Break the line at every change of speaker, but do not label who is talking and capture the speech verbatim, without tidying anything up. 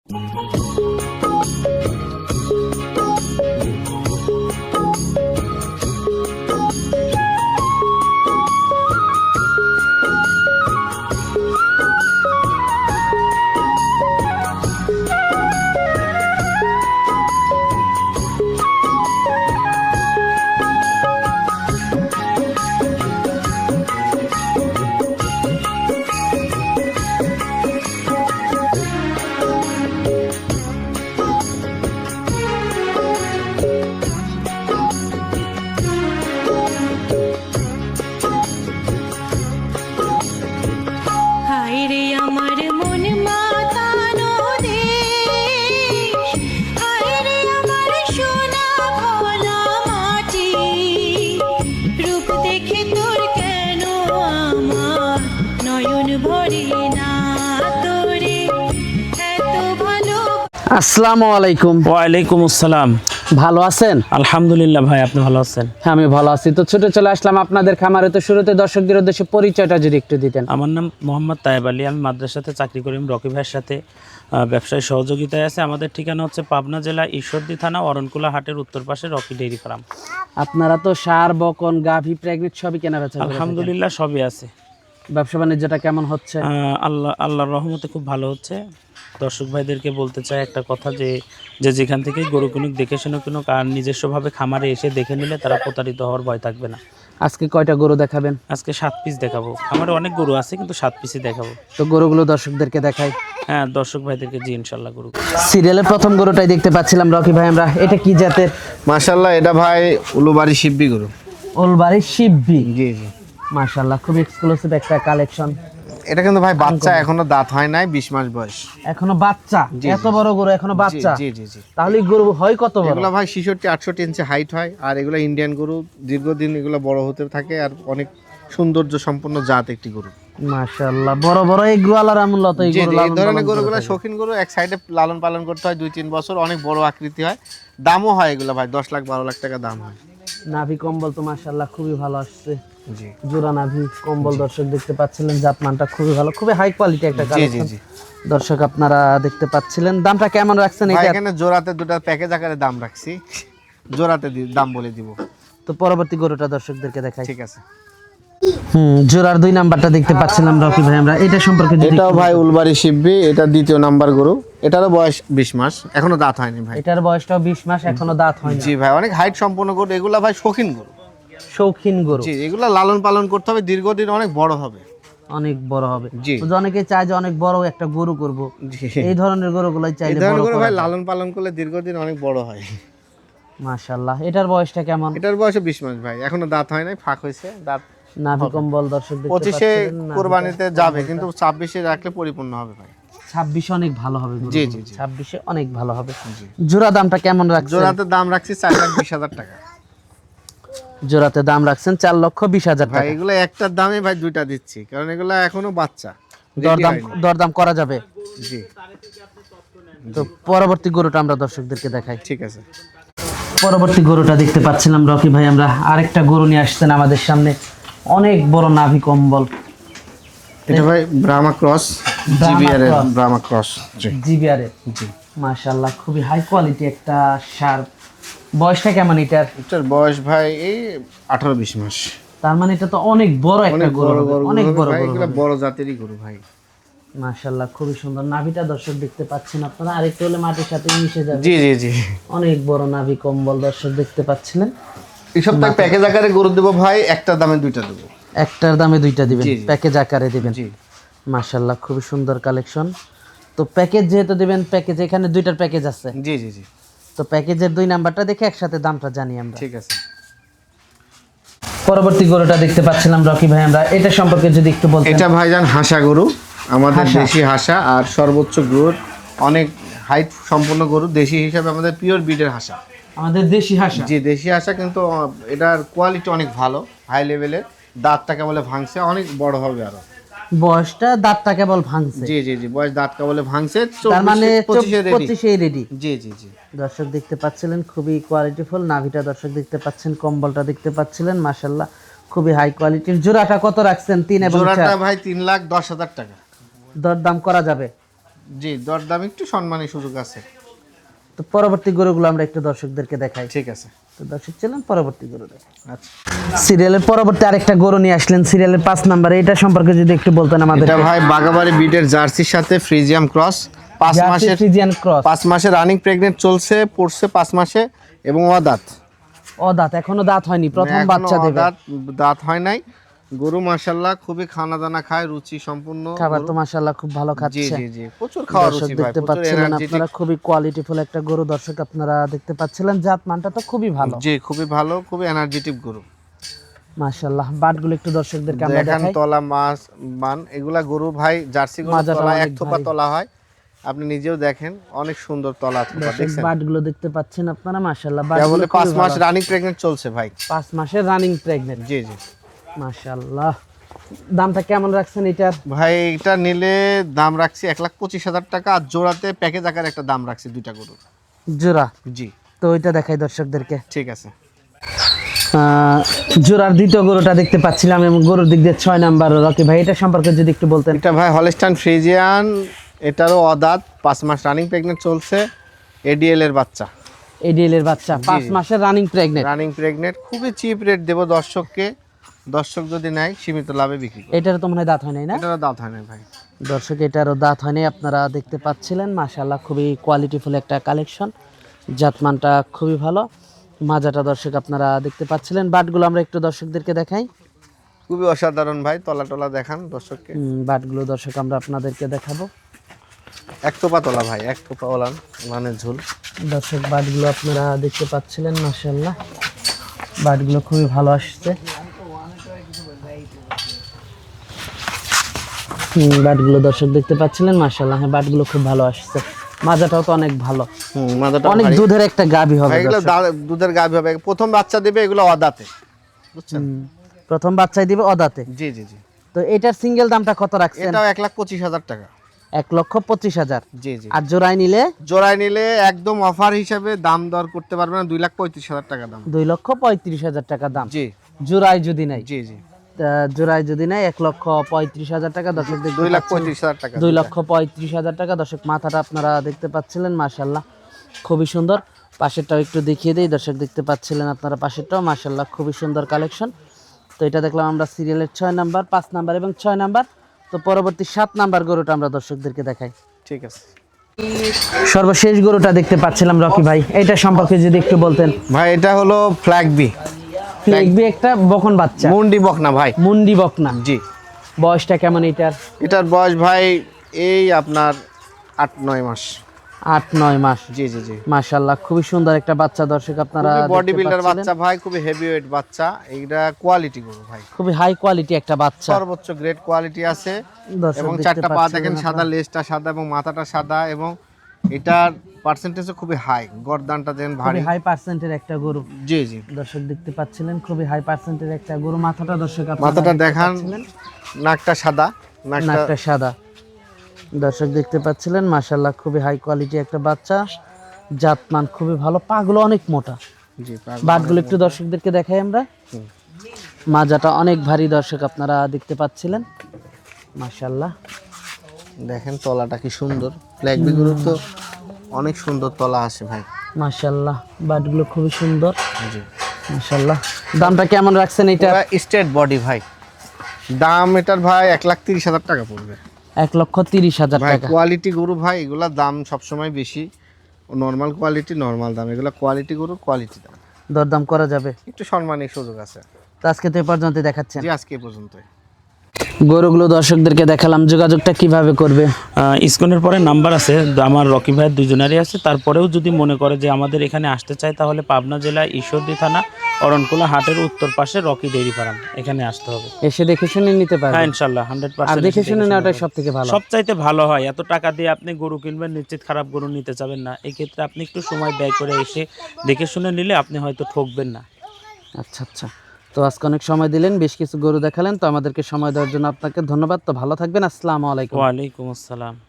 আসসালামু আলাইকুম।
ওয়ালাইকুম আসসালাম।
ভালো আছেন?
আলহামদুলিল্লাহ ভাই, আপনি ভালো আছেন?
হ্যাঁ, আমি ভালো আছি। তো ছুটে চলে আসলাম আপনাদের খামারে। তো শুরুতে দর্শকদের উদ্দেশ্যে পরিচয়টা যদি একটু দিতেন।
আমার নাম মোহাম্মদ তায়েব আলী, আমি মাদ্রাসাতে চাকরি করি। রকি ভাইয়ের সাথে ব্যবসায় সহযোগিতায় আছে। আমাদের ঠিকানা হচ্ছে পাবনা জেলা ঈশ্বরদী থানা অরণকুলা হাটের উত্তর পাশে রকি ডেইরি ফার্ম।
আপনারা তো সার, বকন, গাভী, প্রেগনেন্ট সবই কেনা বেচা করেন?
আলহামদুলিল্লাহ সবই আছে।
ব্যবসা বাণিজ্যটা কেমন হচ্ছে?
আল্লাহ আল্লাহর রহমতে খুব ভালো হচ্ছে। দর্শক ভাইদেরকে বলতে চাই একটা কথা, যে যে যেখান থেকেই গরু কিনুক দেখে শুনে কিনুক, আর নিজস্বভাবে খামারে এসে দেখে নিলে তারা প্রতারিত হওয়ার ভয় থাকবে না।
আজকে কয়টা গরু দেখাবেন?
আজকে সাত পিস দেখাবো। আমার অনেক গরু আছে, কিন্তু সাত পিসই দেখাবো।
তো গরুগুলো দর্শকদেরকে দেখাই।
হ্যাঁ, দর্শক ভাইদেরকে জি ইনশাল্লাহ গরু।
সিরিয়ালের প্রথম গরুটাই দেখতে পাচ্ছিলাম রকি ভাই আমরা। এটা কি জাতের?
মাশাআল্লাহ, এটা ভাই উলুবাড়ি শিববি গরু।
উলবাড়ি শিববি?
জি জি।
মাশাআল্লাহ, খুব এক্সক্লুসিভ একটা কালেকশন।
এটা কিন্তু ভাই বাচ্চা, এখনো দাঁত হয় নাই, বিশ মাস বয়স।
এখনো বাচ্চা? এত বড় গরু এখনো বাচ্চা?
জি জি জি।
তাহলে গরু হয় কত বড়?
এগুলো ভাই ছেষট্টি আটষট্টি ইঞ্চি হাইট হয়। আর এগুলো ইন্ডিয়ান গরু, দীর্ঘদিন এগুলো বড় হতে থাকে, আর অনেক সৌন্দর্য সম্পন্ন জাত একটি গরু।
মাশাআল্লাহ, বড় বড় এই গোয়ালার আমলত এই গরু।
এই ধরনের গরুগুলো শৌখিন গরু, এক সাইডে লালন পালন করতে হয় দুই তিন বছর, অনেক বড় আকৃতি হয়, দামও হয় এগুলো ভাই দশ লাখ বারো লাখ টাকা দাম হয়।
নাভি কম্বল তো মাশাআল্লাহ খুবই ভালো আসছে।
জি,
জোড়া নাভি কম্বল দর্শক দেখতে পাচ্ছিলেন, জাতমানটা খুবই ভালো, খুবই হাই কোয়ালিটি একটা কালেকশন। জি জি। দর্শক আপনারা দেখতে পাচ্ছিলেন। দামটা কেমন রাখছেন এটা?
এখানে জোড়াতে দুটো প্যাকেজ আকারে দাম রাখছি, জোড়াতে দাম বলে দিব।
তো পরবর্তী গরুটা দর্শকদেরকে দেখাই।
ঠিক আছে।
হুম, জোড়ার দুই নাম্বারটা দেখতে পাচ্ছিলাম রকি ভাই আমরা। এটা সম্পর্কে যদি
এটাও ভাই উলবাড়ি শিববি, এটা দ্বিতীয় নাম্বার গরু। এটারও বয়স বিশ মাস, এখনো দাঁত হয়নি ভাই।
এটার বয়সটাও বিশ মাস, এখনো দাঁত হয়নি।
জি ভাই, অনেক হাইট সম্পন্ন গরু এগুলা ভাই, শৌখিন গরু।
শৌখিন গরু?
জি, এগুলা লালন পালন করতে হবে, দীর্ঘদিন অনেক বড় হবে।
অনেক বড় হবে।
জি।
অনেকে চায় যে অনেক বড় একটা গরু করব, এই ধরনের গরুগুলাই চাইলে বড়
গরু ভাই লালন পালন করলে দীর্ঘদিন অনেক বড় হয়।
মাশাআল্লাহ। এটার বয়সটা কেমন?
এটার বয়স বিশ মাস ভাই, এখনো দাঁত হয় নাই, ফাঁক হয়েছে, দাঁত
নাভি কম্বল দর্শক দেখতে পাচ্ছেন।
পঁচিশে কুরবানিতে যাবে, কিন্তু ছাব্বিশে রাখলে পরিপূর্ণ হবে ভাই।
ছাব্বিশে অনেক ভালো হবে।
জি জি জি।
ছাব্বিশে অনেক ভালো হবে। জোড়া দামটা কেমন রাখছেন?
জোড়াতে দাম রাখছি চার লাখ বিশ হাজার টাকা।
জোড়াতে দাম রাখছেন চার লক্ষ বিশ হাজার টাকা।
ভাই এগুলো একটার দামে ভাই দুইটা দিচ্ছি, কারণ এগুলো এখনো বাচ্চা,
দরদাম দরদাম করা যাবে।
জি।
তো পরবর্তী গরুটা আমরা দর্শকদেরকে দেখাই।
ঠিক আছে।
পরবর্তী গরুটা দেখতে পাচ্ছিলাম রকি ভাই আমরা। আরেকটা গরু নিয়ে আসছেন আমাদের সামনে, অনেক বড় নাভি কম্বল।
এটা ভাই ব্রাহ্মা ক্রস, জিবিআর এর ব্রাহ্মা ক্রস। জি,
জিবিআর এর। জি। মাশাআল্লাহ, খুবই হাই কোয়ালিটি একটা সার। বয়সটা কেমন এটার?
এটার বয়স ভাই এই আঠারো বিশ মাস।
তার মানে এটা তো অনেক বড় একটা গরু, অনেক বড়
ভাই,
গরু।
এগুলো বড় জাতেরই গরু ভাই।
মাশাআল্লাহ, খুবই সুন্দর নাভিটা দর্শক দেখতে পাচ্ছেন আপনারা। আরেকটু হলে মাটির সাথে মিশে যাবে।
জি জি জি।
অনেক বড় নাভি কম্বল দর্শক দেখতে পাচ্ছিলেন।
এই সপ্তাহে প্যাকেজ আকারে গরু দেব ভাই, একটার দামে দুইটা দেব।
একটার দামে দুইটা দিবেন? প্যাকেজ আকারে দিবেন?
জি।
মাশাআল্লাহ, খুবই সুন্দর কালেকশন। তো প্যাকেজ যেহেতু দিবেন, প্যাকেজ এখানে দুইটার প্যাকেজ আছে।
জি জি জি।
তো প্যাকেজের দুই নাম্বারটা দেখে একসাথে দামটা জানি আমরা।
ঠিক আছে।
পরবর্তী গরুটা দেখতে পাচ্ছিলাম রকি ভাই আমরা। এটা সম্পর্কে যদি একটু বলতেন।
এটা ভাইজান হাসা গরু, আমাদের দেশি হাসা, আর সর্বোচ্চ গ্রোথ, অনেক হাইট সম্পন্ন গরু, দেশি হিসাবে আমাদের পিওর ব্রিডের হাসা।
আমাদের দেশি হাসা?
জি, দেশি হাসা, কিন্তু এটার কোয়ালিটি অনেক ভালো, হাই লেভেলের। দাঁতটা কেবলে ভাঙছে, অনেক বড় হবে আরো।
বয়সটা দাঁতটা কেবল ভাঙছে?
জি জি জি, বয়স দাঁত কেবলে ভাঙছে,
তার মানে পঁচিশে রেডি।
জি জি জি।
দর্শক দেখতে পাচ্ছিলেন খুবই কোয়ালিটিফুল নাভিটা, দর্শক দেখতে পাচ্ছেন, কম্বলটা দেখতে পাচ্ছিলেন, মাশাআল্লাহ খুবই হাই কোয়ালিটির। জোড়াটা কত রাখছেন? তিন এবং চার?
জোড়াটা ভাই তিন লাখ দশ হাজার টাকা।
দরদাম করা যাবে?
জি, দরদাম একটু সম্মানী সুযোগ আছে।
তো পরবর্তী গরুগুলো আমরা একটু দর্শকদেরকে দেখাই।
ঠিক আছে।
তো দর্শক ছিলেন পরবর্তী গরু দেখাই।
আচ্ছা,
সিরিয়ালের পরবর্তী আরেকটা গরু নিয়ে আসলেন, সিরিয়ালের পাঁচ নাম্বারে, এটা সম্পর্কে যদি একটু বলতেন আমাদের।
এটা ভাই বাগাবাড়ি বিটের জার্সির সাথে ফ্রিজিয়াম ক্রস, পাঁচ মাসের
ফ্রিজিয়ান ক্রস,
পাঁচ মাসে রানিং প্রেগনেন্ট চলছে, পড়ছে পাঁচ মাসে এবং অদাঁত।
ও দাঁত এখনো দাঁত হয়নি, প্রথম
এখনো
বাচ্চা দেবে।
অদাঁত, দাঁত হয় নাই। গরু মাশাআল্লাহ খুবই খানা দানা খায়, রুচি সম্পূর্ণ
খাবার
গরু।
তো মাশাআল্লাহ খুব ভালো
জি
খাচ্ছে।
জি জি, প্রচুর খাওয়া
দর্শক
রুচি ভাই,
দেখতে
প্রচুর
পাচ্ছিলেন
এনার্জেটিক।
আপনারা, খুবই কোয়ালিটিফুল একটা গরু দর্শক আপনারা দেখতে পাচ্ছিলেন, জাত মানটা তো খুবই ভালো।
জি, খুবই ভালো, খুবই এনার্জেটিক গরু।
মাশাআল্লাহ। বাটগুলো একটু দর্শকদেরকে আমরা
দেখেন
দেখাই।
তলা মাছ মান, এগুলা গরু ভাই জার্সি গরু
মাজাটা
তলা এক
অনেক
থোপা
ভারী।
তলা হয়, আপনি নিজেও দেখেন অনেক সুন্দর তলা থোপা
দর্শক
দেখছেন।
বাটগুলো দেখতে পাচ্ছেন আপনারা, মাশাআল্লাহ।
তা
বাটগুলো
বলে পাঁচ
খুবই
মাস
ভালো।
রানিং প্রেগনেন্ট চলছে ভাই।
পাঁচ মাসের রানিং প্রেগনেন্ট।
জি জি
মাশাআল্লাহ। দামটা কেমন রাখছেন এটার?
ভাই, এটা নিলে দাম রাখছি এক লাখ পঁচিশ হাজার টাকা, আর জোড়াতে প্যাকেজ আকারে একটা দাম রাখছি দুইটা গরু।
জোড়া?
জি,
তো ওইটা দেখাই দর্শকদেরকে।
ঠিক আছে।
আহ, জোড়ার দ্বিতীয় গরুটা দেখতে পাচ্ছিলাম এবং গরুর দিক দিয়ে ছয় নাম্বার রকি ভাই, এটা সম্পর্কে যদি একটু বলতেন।
এটা ভাই হলস্টাইন ফ্রিজিয়ান, এটারও অদাঁত, পাঁচ মাস রানিং প্রেগনেন্ট চলছে, এডিএল এর বাচ্চা।
এডিএল এর বাচ্চা, পাঁচ মাসের রানিং প্রেগনেন্ট।
রানিং প্রেগনেন্ট, খুবই চিপ রেট দেবো দর্শককে, দর্শক যদি নেয় সীমিত লাভে বিক্রি করব।
এটারও তো মনে হয় দাঁত হয় নাই না?
এটারও দাঁত হয় না ভাই।
দর্শক এটারও দাঁত হয়নি, আপনারা দেখতে পাচ্ছিলেন। মাশাআল্লাহ, খুবই কোয়ালিটিফুল একটা কালেকশন, জাতমানটা খুবই ভালো। মাজাটা দর্শক আপনারা দেখতে পাচ্ছিলেন। বাটগুলো আমরা একটু দর্শকদেরকে দেখাই।
খুবই অসাধারণ ভাই, তলা টলা দেখান দর্শককে।
হুম, বাটগুলো দর্শক আমরা আপনাদেরকে দেখাবো।
এক থোপা তলা ভাই, এক থোপা ওলান মানে ঝুল।
দর্শক বাটগুলো আপনারা দেখতে পাচ্ছিলেন, মাশাআল্লাহ বাটগুলো খুবই ভালো আসছে। হুম, বাটগুলো দর্শক দেখতে পাচ্ছিলেন, মাশাআল্লাহ। হ্যাঁ, বাটগুলো খুব ভালো আসছে। মাজাটাও তো অনেক ভালো,
হুম, মাথাটা
অনেক
ভারী।
দুধের একটা গাভী হবে
ভাই, এগুলো
দর্শক।
দা- দুধের গাভী হবে, প্রথম বাচ্চা দেবে, এগুলো অদাঁতে, বুঝছেন।
হুম, প্রথম বাচ্চাই দিবে অদাতে।
জি জি জি,
তো এটার সিঙ্গেল দামটা কত রাখছেন?
এটাও এক লাখ পঁচিশ হাজার টাকা।
এক লক্ষ পঁচিশ হাজার।
জি জি,
আর জোড়ায় নিলে
জোড়ায় নিলে একদম অফার হিসাবে দাম দর করতে পারবে না, দুই লাখ পঁয়ত্রিশ হাজার টাকা দাম।
দুই লক্ষ পঁয়ত্রিশ হাজার টাকা দাম
জি
জোড়ায় যদি নাই।
জি জি,
তা জোড়ায় যদি নাই এক লক্ষ পঁয়ত্রিশ হাজার টাকা দর্শক দেখতে
দুই লাখ
পাচ্ছেন।
পঁয়ত্রিশ হাজার টাকা।
দুই লক্ষ পঁয়ত্রিশ হাজার টাকা দর্শক। মাথাটা আপনারা দেখতে পাচ্ছিলেন, মাশাআল্লাহ খুবই সুন্দর। পাশেরটাও একটু দেখিয়ে দিই, দর্শক দেখতে পাচ্ছিলেন আপনারা পাশেরটাও, মাশাআল্লাহ খুবই সুন্দর কালেকশন। তো এটা দেখলাম আমরা সিরিয়ালের ছয় নাম্বার, পাঁচ নাম্বার এবং ছয় নাম্বার। তো পরবর্তী সাত নাম্বার গরুটা আমরা দর্শকদেরকে দেখাই।
ঠিক আছে
সর্বশেষ গরুটা দেখতে পাচ্ছিলাম রকি ভাই, এটা সম্পর্কে যদি একটু বলতেন।
ভাই, এটা হলো ফ্ল্যাগ বি,
দেখবি একটা বকন বাচ্চা,
মুন্ডি বকনা ভাই।
মুন্ডি বকনা।
জি,
বয়সটা কেমন এটার?
এটার বয়স ভাই এই আপনার আট নয় মাস।
আট নয় মাস।
জি জি জি,
মাশাআল্লাহ খুবই সুন্দর একটা বাচ্চা দর্শক আপনারা
বডি
দেখতে
বিল্ডার
পাচ্ছিলেন।
বাচ্চা ভাই, খুবই হেভি ওয়েট বাচ্চা, এইটা কোয়ালিটি গরু ভাই,
খুবই হাই কোয়ালিটি একটা বাচ্চা
সর্বোচ্চ গ্রেড কোয়ালিটি আছে।
দর্শক
এবং
দেখতে
চারটা পা
পাচ্ছিলেন
দেখেন সাদা,
আপনারা।
লেজটা সাদা এবং মাথাটা সাদা, এবং এটার পার্সেন্টেজও খুবই হাই, গর্দানটা দেন ভারী।
খুবই হাই পার্সেন্টের একটা গরু
জি জি,
দর্শক দেখতে পাচ্ছিলেন, খুবই হাই পার্সেন্টের একটা গরু। মাথাটা দর্শক আপনারা
মাথাটা
দেখতে
দেখান,
পাচ্ছিলেন।
নাকটা সাদা, নাকটা
নাকটা সাদা দর্শক দেখতে পাচ্ছিলেন, মাশাআল্লাহ খুবই হাই কোয়ালিটি একটা বাচ্চা, জাতমান খুবই ভালো। পাগুলো অনেক মোটা,
জি,
বাটগুলো একটু দর্শকদেরকে দেখাই আমরা। মাজাটা অনেক ভারী দর্শক আপনারা দেখতে পাচ্ছিলেন, মাশাআল্লাহ।
দেখেন তলাটা কি সুন্দর, ফ্ল্যাগ বি গরু তো অনেক সুন্দর তলা আসে ভাই।
মাশাআল্লাহ বাটগুলো খুবই সুন্দর,
জি,
মাশাআল্লাহ। দামটা কেমন রাখছেন এটা?
স্ট্রেট বডি ভাই, দাম এটার ভাই এক লাখ তিরিশ হাজার টাকা পড়বে।
এক লক্ষ তিরিশ হাজার
ভাই
টাকা।
কোয়ালিটি গরু ভাই, এগুলা দাম সবসময় বেশি, নর্মাল কোয়ালিটি নর্মাল দাম, এগুলা কোয়ালিটি গরু কোয়ালিটি দাম,
দরদাম করা যাবে।
একটু সম্মানের সুযোগ আছে।
তো আজকে তো এ পর্যন্ত দেখাচ্ছেন
জি, আজকে এই পর্যন্তই।
গরুগুলো দর্শকদেরকে দেখালাম, যোগাযোগটা কিভাবে করবে?
স্ক্রিনের পরে নাম্বার আছে, আমার রকি ভাইয়ের দুজনেরই আছে। তারপরেও যদি মনে করে যে আমাদের এখানে আসতে চায়, তাহলে পাবনা জেলা ঈশ্বরদী থানা অরণকুলা হাটের উত্তর পাশে রকি ডেইরি ফার্ম, এখানে আসতে হবে।
এসে দেখে শুনে নিতে পারবে।
হ্যাঁ ইনশাল্লাহ হান্ড্রেড
আর
পার্সেন্ট
দেখে শুনে নেওয়াটাই সব থেকে ভালো।
সবচাইতে ভালো হয়। এত টাকা দিয়ে আপনি গরু কিনবেন, নিশ্চিত খারাপ গরু নিতে চাবেন না। এই ক্ষেত্রে আপনি একটু সময় ব্যয় করে এসে দেখে শুনে নিলে আপনি হয়তো ঠকবেন না।
আচ্ছা আচ্ছা, তো আজকে অনেক সময় দিলেন, বেশ কিছু গরু দেখালেন, তো আমাদেরকে সময় দেওয়ার জন্য আপনাকে ধন্যবাদ। তো ভালো থাকবেন, আসসালামু আলাইকুম।
ওয়ালাইকুম আসসালাম।